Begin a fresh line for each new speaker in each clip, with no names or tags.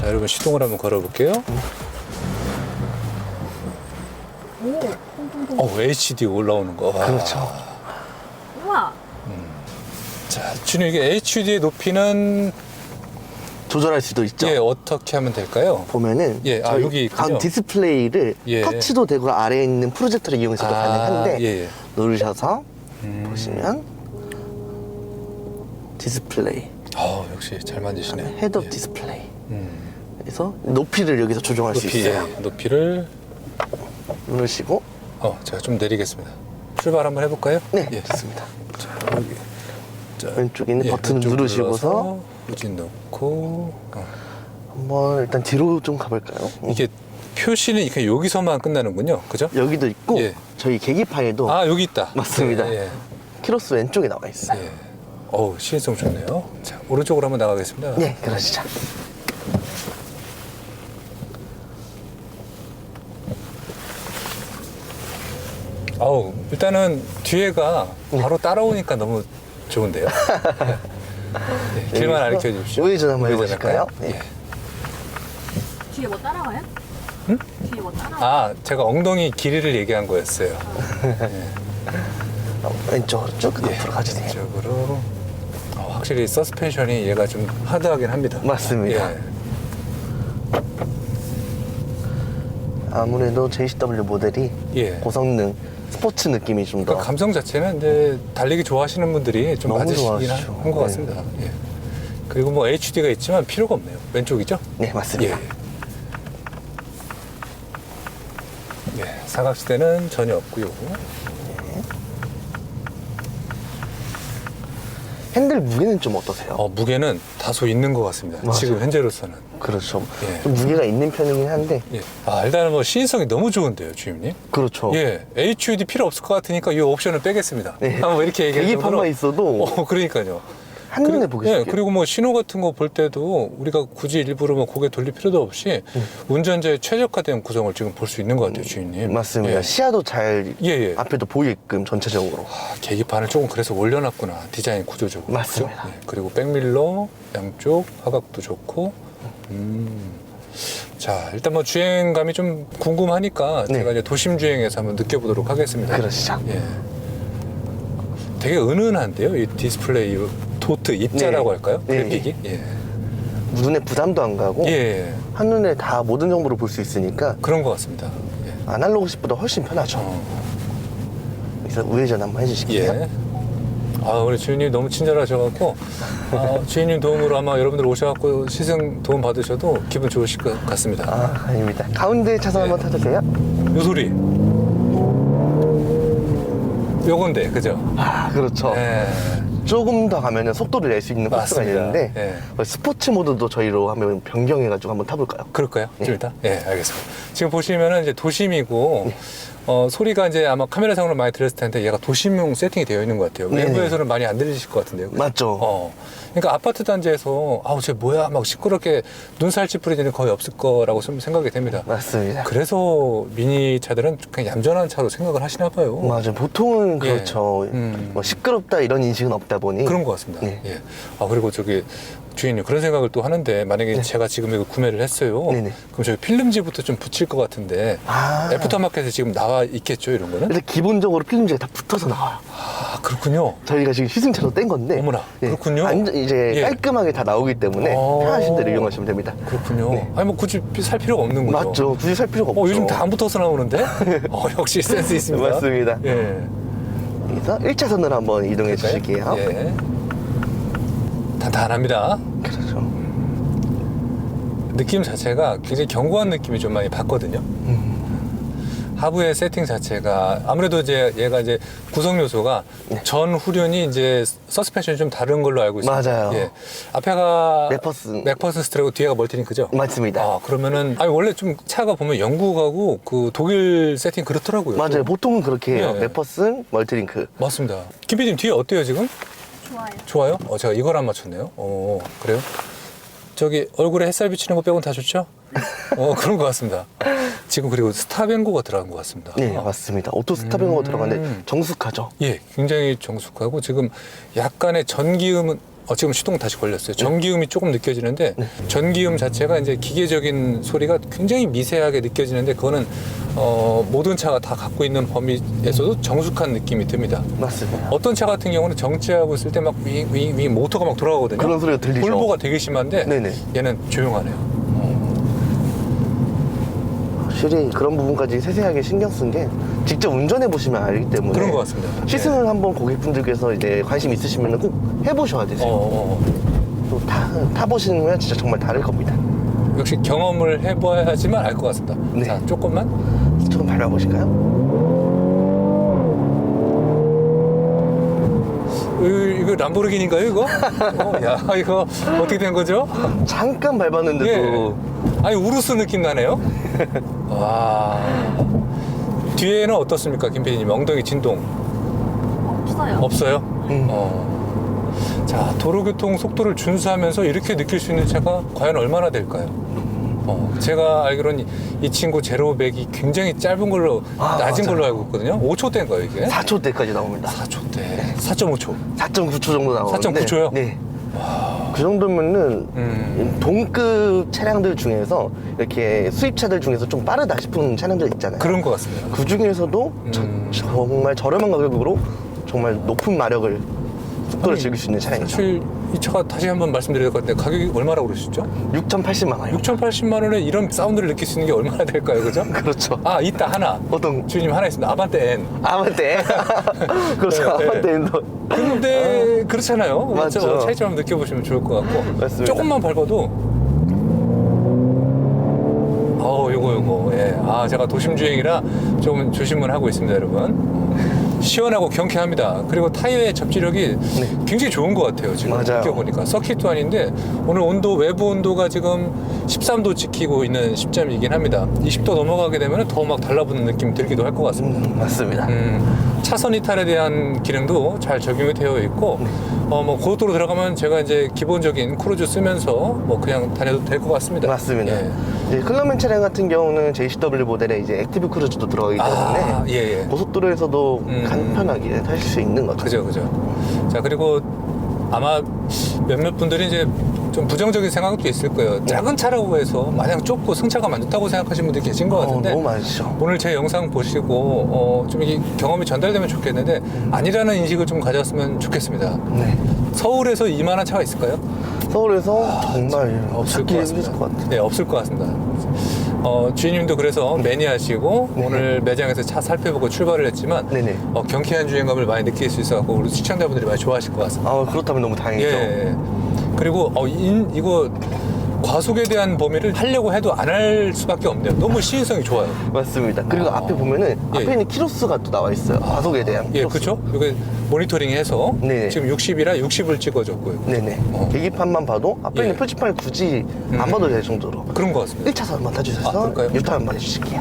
자, 여러분 시동을 한번 걸어볼게요. HD 올라오는 거.
그렇죠.
우와.
자, 주님 이게 HD의 높이는
조절할 수도 있죠.
예, 어떻게 하면 될까요?
보면은
예,
저희
여기 있군요.
가운 디스플레이를
예.
터치도 되고 아래에 있는 프로젝터를 이용해서도 가능한데
예.
누르셔서 보시면 디스플레이
역시 잘 만드시네.
헤드업
예.
디스플레이. 그래서 높이를 여기서 조정할 수 있어요.
높이를
누르시고
제가 좀 내리겠습니다. 출발 한번 해볼까요?
네,
예.
좋습니다.
자, 여기. 자,
왼쪽에 있는
예,
버튼을
왼쪽
누르시고서
눌러서 후진 넣고
한번 일단 뒤로 좀 가볼까요?
이게 표시는 이렇게 여기서만 끝나는군요. 그죠?
여기도 있고
예.
저희 계기판에도
여기 있다.
맞습니다.
예, 예.
키로수 왼쪽에 나와 있어요.
예. 시인성 좋네요. 자, 오른쪽으로 한번 나가겠습니다.
네, 그러시죠.
일단은 뒤에가 바로 따라오니까 너무 좋은데요. 네, 길만 알려 주십시오.
우회전 한번
우회전
해보실까요?
할까요?
네.
예.
뒤에 뭐 따라와요? 응? 뒤에 뭐 따라와?
제가 엉덩이 길이를 얘기한 거였어요.
왼쪽으로 쭉 앞으로 가주세요.
이쪽으로. 확실히 서스펜션이 얘가 좀 하드하긴 합니다.
맞습니다.
예.
아무래도 JCW 모델이
예.
고성능 스포츠 느낌이 좀 더
그러니까 감성 자체는 이제 달리기 좋아하시는 분들이 좀
너무
맞으시긴
좋아하시죠.
한 것
네.
같습니다. 예. 그리고 뭐 HD가 있지만 필요가 없네요. 왼쪽이죠?
네, 맞습니다.
예. 사각지대는 전혀 없고요.
핸들 무게는 좀 어떠세요?
무게는 다소 있는 것 같습니다.
맞아요.
지금 현재로서는.
그렇죠.
예.
좀 무게가 있는 편이긴 한데
예. 일단은 뭐 시인성이 너무 좋은데요, 주임님.
그렇죠.
예. HUD 필요 없을 것 같으니까 이 옵션을 빼겠습니다.
네.
뭐 이렇게 얘기할
계기판만 있어도
그러니까요.
한눈에 보기 쉽게.
그리고 뭐 신호 같은 거 볼 때도 우리가 굳이 일부러 뭐 고개 돌릴 필요도 없이 운전자의 최적화된 구성을 지금 볼 수 있는 것 같아요, 주인님.
맞습니다.
예.
시야도 잘
예.
앞에도 보이게끔 전체적으로.
계기판을 조금 그래서 올려놨구나, 디자인 구조적으로.
맞습니다.
그렇죠? 예. 그리고 백밀러 양쪽 화각도 좋고. 자, 일단 뭐 주행감이 좀 궁금하니까
네.
제가 이제 도심 주행에서 한번 느껴보도록 하겠습니다.
그러시죠.
예. 되게 은은한데요, 이 디스플레이 도트 입자라고
네.
할까요?
네.
그래픽이. 예.
눈에 부담도 안 가고
예.
한눈에 다 모든 정보를 볼 수 있으니까
그런 것 같습니다. 예.
아날로그식보다 훨씬 편하죠. 그래서 우회전 한번 해주실게요.
예. 우리 주인님 너무 친절하셔갖고, 주인님 도움으로 아마 여러분들 오셔갖고 시승 도움 받으셔도 기분 좋으실 것 같습니다.
아닙니다. 가운데 차선 한번 타주세요.
요 소리. 요건데, 그죠?
그렇죠.
예.
조금 더 가면은 속도를 낼 수 있는 코스가
맞습니다.
있는데
예.
스포츠 모드도 저희로 한번 변경해가지고 한번 타볼까요?
그럴까요?
네.
좀 이따? 예, 알겠습니다. 지금 보시면은 이제 도심이고, 소리가 이제 아마 카메라상으로 많이 들렸을 텐데 얘가 도심용 세팅이 되어 있는 것 같아요.
네네.
외부에서는 많이 안 들리실 것 같은데요. 그죠?
맞죠.
그러니까 아파트 단지에서 쟤 뭐야 막 시끄럽게 눈살 찌푸리지는 거의 없을 거라고 좀 생각이 됩니다.
맞습니다.
그래서 미니 차들은 그냥 얌전한 차로 생각을 하시나 봐요.
맞아요. 보통은
예.
그렇죠. 뭐 시끄럽다 이런 인식은 없다 보니
그런 것 같습니다.
네.
예. 그리고 주인님 그런 생각을 또 하는데 만약에 제가 지금 이거 구매를 했어요.
네네.
그럼 저희 필름지부터 좀 붙일 것 같은데 애프터마켓에 지금 나와 있겠죠 이런 거는?
일단 기본적으로 필름지가 다 붙어서 나와요.
그렇군요.
저희가 지금 시승차로 뗀 건데
어머나, 그렇군요.
이제
예.
깔끔하게 다 나오기 때문에 편하신 대로 이용하시면 됩니다.
그렇군요.
네.
아니 뭐 굳이 살 필요가 없는 거죠.
맞죠. 굳이 살 필요가 없죠.
요즘 다 안 붙어서 나오는데? 역시 센스 있습니다.
맞습니다.
예.
그래서 1차선으로 한번 이동해 주실게요.
예. 단단합니다.
그렇죠.
느낌 자체가 굉장히 견고한 느낌이 좀 많이 받거든요. 하부의 세팅 자체가 아무래도 이제 얘가 이제 구성 요소가 전 후륜이 이제 서스펜션이 좀 다른 걸로 알고 있습니다.
맞아요.
예. 앞에가
맥퍼슨
스트레고 뒤에가 멀티링크죠?
맞습니다.
그러면은 원래 좀 차가 보면 영국하고 그 독일 세팅 그렇더라고요.
맞아요.
또.
보통은 그렇게 해요.
예.
맥퍼슨, 멀티링크.
맞습니다. 김 PD님 뒤에 어때요 지금?
좋아요.
좋아요? 제가 이걸 안 맞췄네요. 그래요? 얼굴에 햇살 비치는 거 빼고는 다 좋죠? 그런 것 같습니다. 지금 그리고 스탑앤고가 들어간 것 같습니다.
네, 맞습니다. 오토 스탑앤고가 들어가는데 정숙하죠.
예, 굉장히 정숙하고 지금 약간의 전기음은 지금 시동 다시 걸렸어요. 전기음이 조금 느껴지는데 전기음 자체가 이제 기계적인 소리가 굉장히 미세하게 느껴지는데 그거는 모든 차가 다 갖고 있는 범위에서도 정숙한 느낌이 듭니다.
맞습니다.
어떤 차 같은 경우는 정지하고 있을 때 막 윙 모터가 막 돌아가거든요.
그런 소리가 들리죠.
볼보가 되게 심한데
네네.
얘는 조용하네요.
확실히 그런 부분까지 세세하게 신경 쓴 게 직접 운전해 보시면 알기 때문에
그런 것 같습니다.
시승을 한번 고객분들께서 이제 관심 있으시면 꼭 해보셔야 되세요. 또 타보시면 진짜 정말 다를 겁니다.
역시 경험을 해봐야지만 알 것 같습니다.
네.
자, 조금만.
조금 밟아보실까요?
이거 람보르기니인가요, 이거? 야, 이거 어떻게 된 거죠?
잠깐 밟았는데도
아니, 우루스 느낌 나네요? 와. 뒤에는 어떻습니까, 김 PD님? 엉덩이 진동
없어요.
없어요? 자, 도로교통 속도를 준수하면서 이렇게 느낄 수 있는 차가 과연 얼마나 될까요? 제가 알기로는 이 친구 제로백이 굉장히 짧은 걸로, 낮은
맞아요.
걸로 알고 있거든요. 5초대인가요, 이게?
4초대까지 나옵니다.
4초대. 4.5초.
4.9초 정도 나오는데
4.9초 요?
네. 그 정도면은 동급 차량들 중에서 이렇게 수입차들 중에서 좀 빠르다 싶은 차량들 있잖아요.
그런 것 같습니다.
그 중에서도 정말 저렴한 가격으로 정말 높은 마력을 속도를 즐길 수 있는 차량이죠.
사실 이 차가 다시 한번 말씀드려야 될 것 같은데 가격이 얼마라고 그러셨죠?
6,080만 원이요.
6,080만 원에 이런 사운드를 느낄 수 있는 게 얼마나 될까요, 그죠?
그렇죠.
아, 있다 하나.
어떤
주님 하나 있습니다. 아반떼 N.
아반떼. 그렇죠.
네, 네.
아반떼도.
근데 그렇잖아요.
맞죠.
차이점 한번 느껴보시면 좋을 것 같고.
맞습니다.
조금만 밟아도. 요거. 예. 제가 도심 주행이라 좀 조심을 하고 있습니다, 여러분. 시원하고 경쾌합니다. 그리고 타이어의 접지력이 굉장히 좋은 것 같아요. 지금
맞아요.
느껴보니까 서킷도 아닌데 오늘 온도 외부 온도가 지금 13도 지키고 있는 시점이긴 합니다. 20도 넘어가게 되면 더 막 달라붙는 느낌이 들기도 할 것 같습니다.
맞습니다.
차선 이탈에 대한 기능도 잘 적용이 되어 있고 뭐 고속도로 들어가면 제가 이제 기본적인 크루즈 쓰면서 뭐 그냥 다녀도 될 것 같습니다.
맞습니다.
예.
이제 클럽맨 차량 같은 경우는 JCW 모델에 이제 액티브 크루즈도 들어가기 때문에
예.
고속도로에서도 간편하게 타실 수 있는 거죠.
그죠. 자, 그리고 아마 몇몇 분들이 이제 좀 부정적인 생각도 있을 거예요. 작은 차라고 해서 마냥 좁고 승차감 안 좋다고 생각하시는 분들이 계신 것 같은데
너무 많으시죠.
오늘 제 영상 보시고 좀 이 경험이 전달되면 좋겠는데 아니라는 인식을 좀 가졌으면 좋겠습니다.
네.
서울에서 이만한 차가 있을까요?
서울에서 정말
없을 것
찾기
같습니다.
힘드실 것 같아요.
네, 없을 것 같습니다. 주인님도 그래서 매니아시고
네.
오늘 매장에서 차 살펴보고 출발을 했지만
네네.
경쾌한 주행감을 많이 느낄 수 있어서 우리 시청자분들이 많이 좋아하실 것 같습니다.
그렇다면 너무 다행이죠.
예. 그리고 이거 과속에 대한 범위를 하려고 해도 안 할 수밖에 없네요. 너무 시인성이 좋아요.
맞습니다. 그리고 앞에 보면은
예.
앞에 있는 키로수가 또 나와 있어요. 과속에 대한
예,
키로수.
그렇죠. 이게 모니터링해서
네.
지금 60이라 60을 찍어줬고요.
네네. 계기판만 봐도 앞에 있는
예.
표지판을 굳이 안 봐도 될 정도로
그런 것 같습니다.
1차선 한번 타주셔서
그럴까요?
유턴 한번 해주실게요.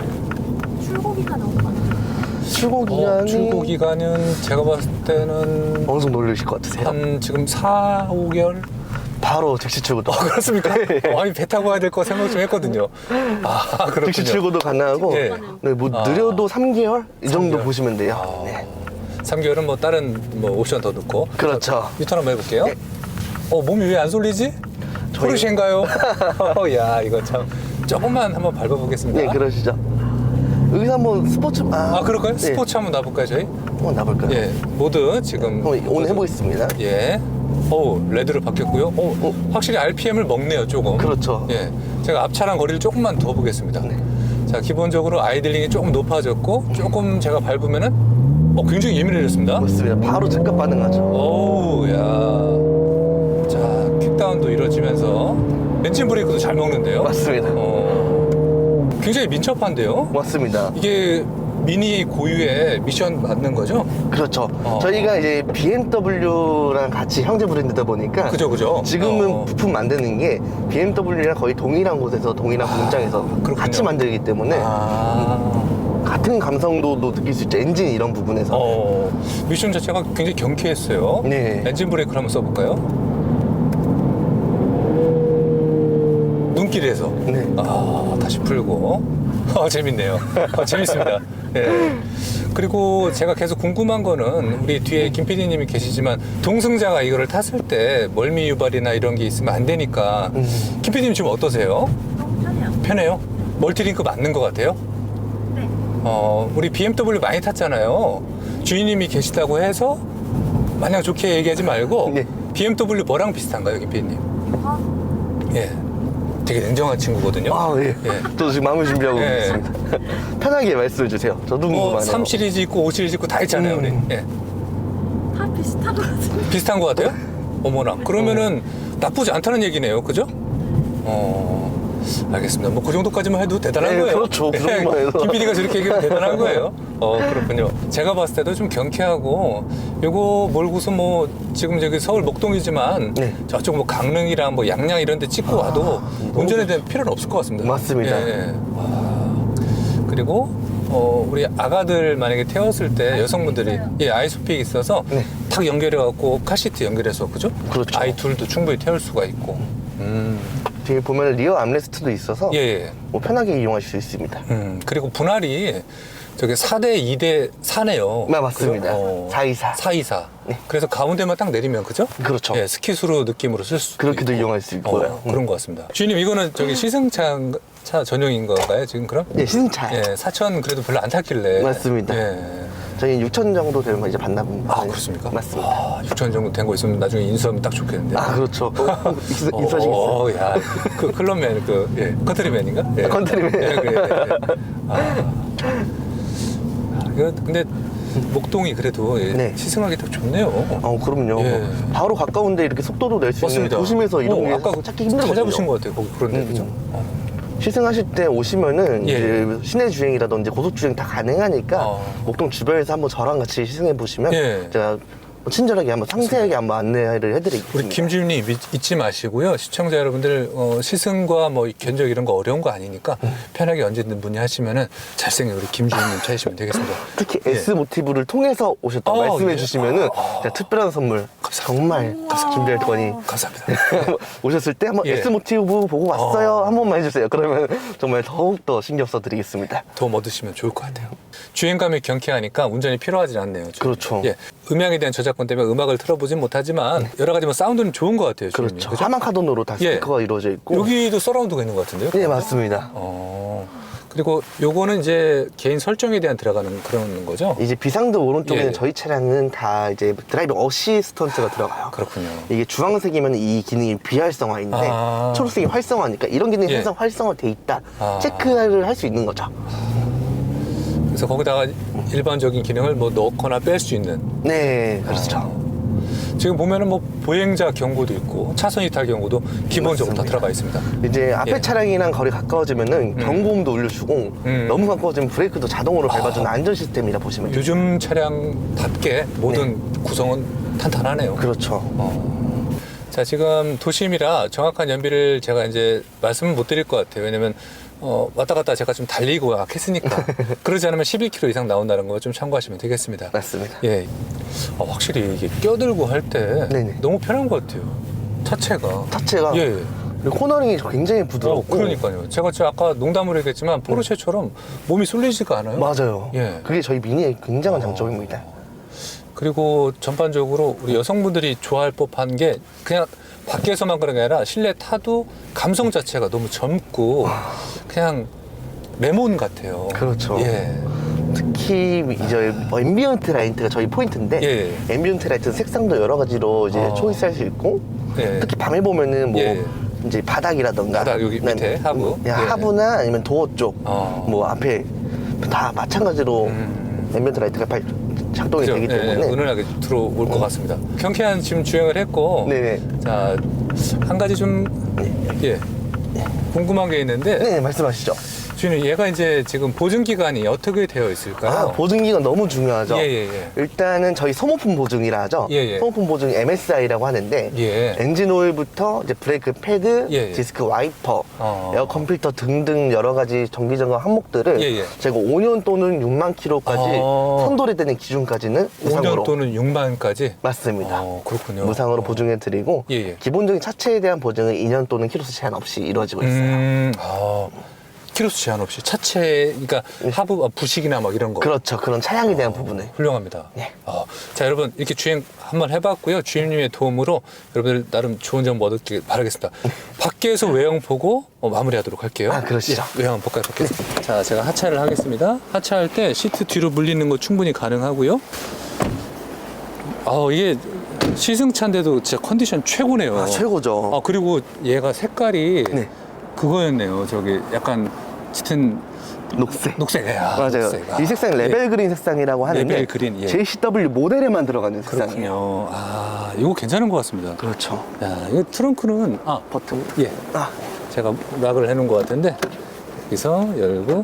출고 기간은 얼마나?
출고 기간이
출고 기간은 제가 봤을 때는
어느 정도 올리실 것 같으세요?
한 지금 4, 5개월?
바로 즉시 출고도.
그렇습니까? 아니, 배 타고 와야 될 거 생각 좀 했거든요. 그렇군요.
즉시 출고도 가능하고
예.
네, 뭐 느려도 3개월 이 정도
3개월.
보시면 돼요. 네.
3개월은 뭐 다른 뭐 옵션 더 넣고.
그렇죠.
유턴 한번 해볼게요.
네.
몸이 왜 안 쏠리지? 포르쉐인가요? 야, 이거 참. 조금만 한번 밟아보겠습니다.
네, 그러시죠. 여기서 한번 스포츠
그럴까요?
네.
스포츠 한번 놔볼까요, 저희?
한번 나볼까요?
예, 모드 지금.
한번 오늘 해보겠습니다.
예. 레드로 바뀌었고요. 확실히 RPM을 먹네요, 조금.
그렇죠.
예. 제가 앞차랑 거리를 조금만 더 보겠습니다.
네.
자, 기본적으로 아이들링이 조금 높아졌고, 조금 제가 밟으면은, 굉장히 예민해졌습니다.
맞습니다. 바로 즉각 반응하죠.
야. 자, 킥다운도 이루어지면서, 엔진 브레이크도 잘 먹는데요.
맞습니다.
굉장히 민첩한데요.
맞습니다.
이게 미니 고유의 미션 맞는 거죠?
그렇죠. 저희가 이제 BMW랑 같이 형제 브랜드다 보니까
그죠.
지금은 부품 만드는 게 BMW랑 거의 동일한 곳에서 동일한 공장에서
그렇군요.
같이 만들기 때문에 같은 감성도도 느낄 수 있죠. 엔진 이런 부분에서.
미션 자체가 굉장히 경쾌했어요.
네.
엔진 브레이크를 한번 써볼까요? 눈길에서.
네.
다시 풀고. 재밌네요. 재밌습니다. 예. 그리고 제가 계속 궁금한 거는 우리 뒤에 김 PD님이 계시지만 동승자가 이거를 탔을 때 멀미 유발이나 이런 게 있으면 안 되니까 김 PD님 지금 어떠세요?
너무 편해요.
편해요? 멀티링크 맞는 것 같아요?
네.
우리 BMW 많이 탔잖아요. 주인님이 계시다고 해서 마냥 좋게 얘기하지 말고
네.
BMW 뭐랑 비슷한가요, 김 PD님? 예. 되게 냉정한 친구거든요.
아, 예.
예.
저도 지금 마음을 준비하고
예.
있습니다. 편하게 말씀해 주세요. 저도 궁금하네요.
뭐 3 시리즈 있고 5 시리즈 있고 다 있잖아요, 우리. 예.
다 비슷한 것 같은데.
비슷한 것 같아요? 어머나. 그러면은 나쁘지 않다는 얘기네요. 그죠? 알겠습니다. 뭐 그 정도까지만 해도 대단한
네,
거예요.
그렇죠. 그 정도만 해도.
김 PD가 저렇게 얘기하면 대단한 거예요. 그렇군요. 제가 봤을 때도 좀 경쾌하고 요거 몰고서 뭐 지금 저기 서울 목동이지만
네.
저쪽 뭐 강릉이랑 뭐 양양 이런 데 찍고 와도 운전에 대한 필요는 없을 것 같습니다.
맞습니다.
예, 예. 그리고 우리 아가들 만약에 태웠을 때 여성분들이 아이소픽이 있어서
네.
탁 연결해갖고 카시트 연결해서 그죠?
그렇죠.
아이 둘도 충분히 태울 수가 있고.
뒤에 보면 리어 암레스트도 있어서
예, 예.
뭐 편하게 이용하실 수 있습니다.
그리고 분할이 저게 4대 2대 4네요.
네, 맞습니다. 424.
424.
네.
그래서 가운데만 딱 내리면 그죠?
그렇죠.
예, 스키수로 느낌으로 쓸 수.
그렇게도 이용할 수 있고요.
그런 것 같습니다. 주인님 이거는 저기 시승차 전용인 건가요 지금 그럼?
네, 시승차.
예, 4천 그래도 별로 안 탔길래.
맞습니다.
예.
저희 6천 정도 되면 이제 반납은.
아, 그렇습니까?
맞습니다.
6천 정도 된 거 있으면 나중에 인수하면 딱 좋겠는데.
아, 그렇죠. 인사하시겠어요?
야, 그 클럽맨, 컨트리맨인가? 예.
컨트리맨.
예, 근데 목동이 그래도
네.
시승하기 딱 좋네요.
그럼요.
예.
바로 가까운데 이렇게 속도도 낼 수 있는
맞습니다.
도심에서 이런 게
아까
찾기 힘들거든요.
찾아보신 것 같아요. 거기 그런데 그죠?
시승하실 때 오시면은
예.
이제 시내 주행이라든지 고속 주행 다 가능하니까
어.
목동 주변에서 한번 저랑 같이 시승해 보시면
예.
제가 친절하게 한번 상세하게 한번 안내를 해드리겠습니다.
우리 김 주임님 잊지 마시고요. 시청자 여러분들 시승과 뭐 견적 이런 거 어려운 거 아니니까 편하게 언제든 문의하시면은 잘생긴 우리 김 주임님 찾으시면 되겠습니다.
특히
예.
S 모티브를 통해서 오셨다고 말씀해
예.
주시면은 제가 특별한 선물 정말 준비할 거니
감사합니다.
오셨을 때 한번
예.
S 모티브 보고 왔어요 한 번만 해주세요. 그러면 정말 더욱더 신경 써드리겠습니다.
도움 얻으시면 좋을 것 같아요. 주행감이 경쾌하니까 운전이 필요하지 않네요. 주임님.
그렇죠.
예. 음향에 대한 저작권 때문에 음악을 틀어보진 못하지만 여러 가지 뭐 사운드는 좋은 것 같아요. 주임님.
그렇죠.
그죠?
하만 카돈으로 다
예.
스피커가 이루어져 있고.
여기도 서라운드가 있는 것 같은데요?
네, 맞습니다.
그리고 요거는 이제 개인 설정에 대한 들어가는 그런 거죠?
이제 비상등 오른쪽에는
예.
저희 차량은 다 이제 드라이브 어시스턴트가 들어가요.
그렇군요.
이게 주황색이면 이 기능이 비활성화인데
아.
초록색이 활성화니까 이런 기능이
예.
항상 활성화돼 있다
아.
체크를 할 수 있는 거죠.
그래서 거기다가 일반적인 기능을 뭐 넣거나 뺄 수 있는.
네, 그렇죠.
지금 보면은 뭐 보행자 경고도 있고 차선 이탈 경고도 기본적으로 다
맞습니다.
들어가 있습니다.
이제 앞에
예.
차량이랑 거리 가까워지면은 경고음도 울려주고 너무 가까워지면 브레이크도 자동으로 밟아주는 안전 시스템이라 보시면 돼요.
요즘 차량답게 모든 구성은 탄탄하네요.
그렇죠.
자, 지금 도심이라 정확한 연비를 제가 이제 말씀을 못 드릴 것 같아요. 왜냐면 왔다 갔다 제가 좀 달리고 막 했으니까. 그러지 않으면 11km 이상 나온다는 거 좀 참고하시면 되겠습니다.
맞습니다.
예. 확실히 이게 껴들고 할 때
네네.
너무 편한 것 같아요. 차체가.
차체가
예.
그리고 코너링이 굉장히 부드럽고
그러니까요. 제가 아까 농담으로 얘기했지만 포르쉐처럼 몸이 쏠리지가 않아요.
맞아요.
예.
그게 저희 미니의 굉장한 장점입니다.
그리고 전반적으로 우리 여성분들이 좋아할 법한 게 그냥 밖에서만 그런 게 아니라 실내 타도 감성 자체가 너무 젊고 그냥 레몬 같아요.
그렇죠.
예.
특히 이제 앰비언트 라이트가 저희 포인트인데
예.
앰비언트 라이트는 색상도 여러 가지로 이제 초이스할 수 있고
예.
특히 밤에 보면은 뭐
예.
이제 바닥이라던가
바닥 여기 밑에 하부.
예,
예.
하부나 아니면 도어 쪽
어.
뭐 앞에 다 마찬가지로 앰비언트 라이트가 작동이
그죠?
되기
예,
때문에
은은하게 들어올 것 같습니다. 경쾌한 지금 주행을 했고
네네.
자, 한 가지 좀 예. 궁금한 게 있는데
네, 말씀하시죠.
주인님 얘가 이제 지금 보증 기간이 어떻게 되어 있을까요?
보증기간 너무 중요하죠.
예.
일단은 저희 소모품 보증이라 하죠.
예.
소모품 보증 MSI라고 하는데
예.
엔진 오일부터 이제 브레이크 패드,
예.
디스크 와이퍼,
어.
에어 컴퓨터 등등 여러 가지 정기 점검 항목들을
예.
제가 5년 또는 6만 킬로까지
어.
선도리 되는 기준까지는
5년
무상으로
또는 6만까지?
맞습니다.
그렇군요.
무상으로 보증해 드리고
예.
기본적인 차체에 대한 보증은 2년 또는 키로수 제한 없이 이루어지고 있어요.
키로수 제한 없이 차체, 그러니까 하부 부식이나 막 이런 거.
그렇죠. 그런 차량에 대한 부분을.
훌륭합니다.
네.
자, 여러분 이렇게 주행 한번 해봤고요. 주임님의 도움으로 여러분들 나름 좋은 정보 얻었길 바라겠습니다. 밖에서 외형 보고 마무리하도록 할게요.
아, 그러시죠.
예, 외형 한번 볼까요? 밖에서. 자, 제가 하차를 하겠습니다. 하차할 때 시트 뒤로 물리는 거 충분히 가능하고요. 이게 시승차인데도 진짜 컨디션 최고네요.
아, 최고죠.
그리고 얘가 색깔이
네.
그거였네요. 저기 약간 짙은 녹색.
맞아요.
녹색.
이 색상이 레벨 그린 색상이라고 하는데
레벨 그린, 예.
JCW 모델에만 들어가는 색상이에요.
그렇군요. 이거 괜찮은 것 같습니다.
그렇죠.
야, 이거 트렁크는
버튼.
예,
아,
제가 락을 해놓은 것 같은데 여기서 열고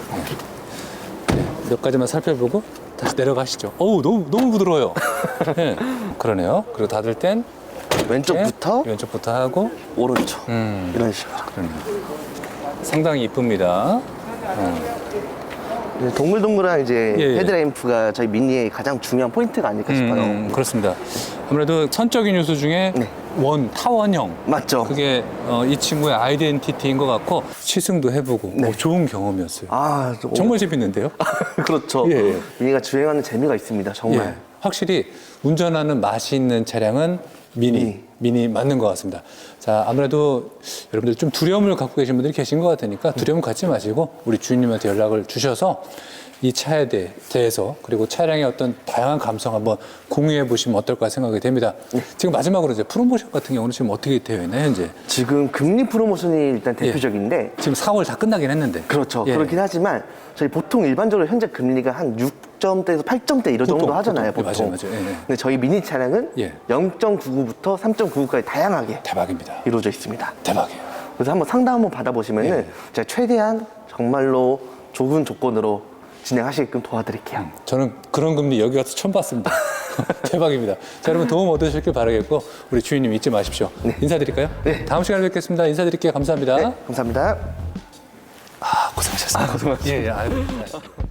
몇 가지만 살펴보고 다시 내려가시죠. 어우, 너무 부드러워요. 예, 그러네요. 그리고 닫을 땐
왼쪽부터
왼쪽부터 하고
오른쪽. 이런 식으로.
그러네요. 상당히 이쁩니다.
이제 동글동글한 이제
예.
헤드램프가 저희 미니의 가장 중요한 포인트가 아닐까 싶어요.
그렇습니다. 아무래도 선적인 요소 중에
네.
타원형.
맞죠?
그게 이 친구의 아이덴티티인 것 같고 시승도 해보고
네.
좋은 경험이었어요. 정말 재밌는데요?
그렇죠.
예, 예.
미니가 주행하는 재미가 있습니다. 정말.
예, 확실히 운전하는 맛이 있는 차량은 미니 맞는 것 같습니다. 자, 아무래도 여러분들 좀 두려움을 갖고 계신 분들이 계신 것 같으니까 두려움 갖지 마시고 우리 주인님한테 연락을 주셔서 이 차에 대해서 그리고 차량의 어떤 다양한 감성 한번 공유해 보시면 어떨까 생각이 됩니다. 지금 마지막으로 이제 프로모션 같은 경우는 지금 어떻게 되어 있나요, 현재?
지금 금리 프로모션이 일단 대표적인데
지금 4월 다 끝나긴 했는데.
그렇죠.
예.
그렇긴 하지만 저희 보통 일반적으로 현재 금리가 한 6점대에서 8점대 이런 정도 하잖아요. 보통.
맞아요. 예, 예.
근데 저희 미니 차량은
예.
0.99부터 3.99까지 다양하게
대박입니다.
이루어져 있습니다.
대박이에요.
그래서 한번 상담 한번 받아보시면은
예.
제가 최대한 정말로 좋은 조건으로 진행하시게끔 도와드릴게요.
저는 그런 금리 여기 가서 처음 봤습니다. 대박입니다. 자, 여러분 도움 얻으셨길 바라겠고 우리 주인님 잊지 마십시오. 인사드릴까요?
네.
다음 시간에 뵙겠습니다. 인사드릴게요. 감사합니다.
네, 감사합니다.
고생하셨습니다.
고생하셨습니다.
예.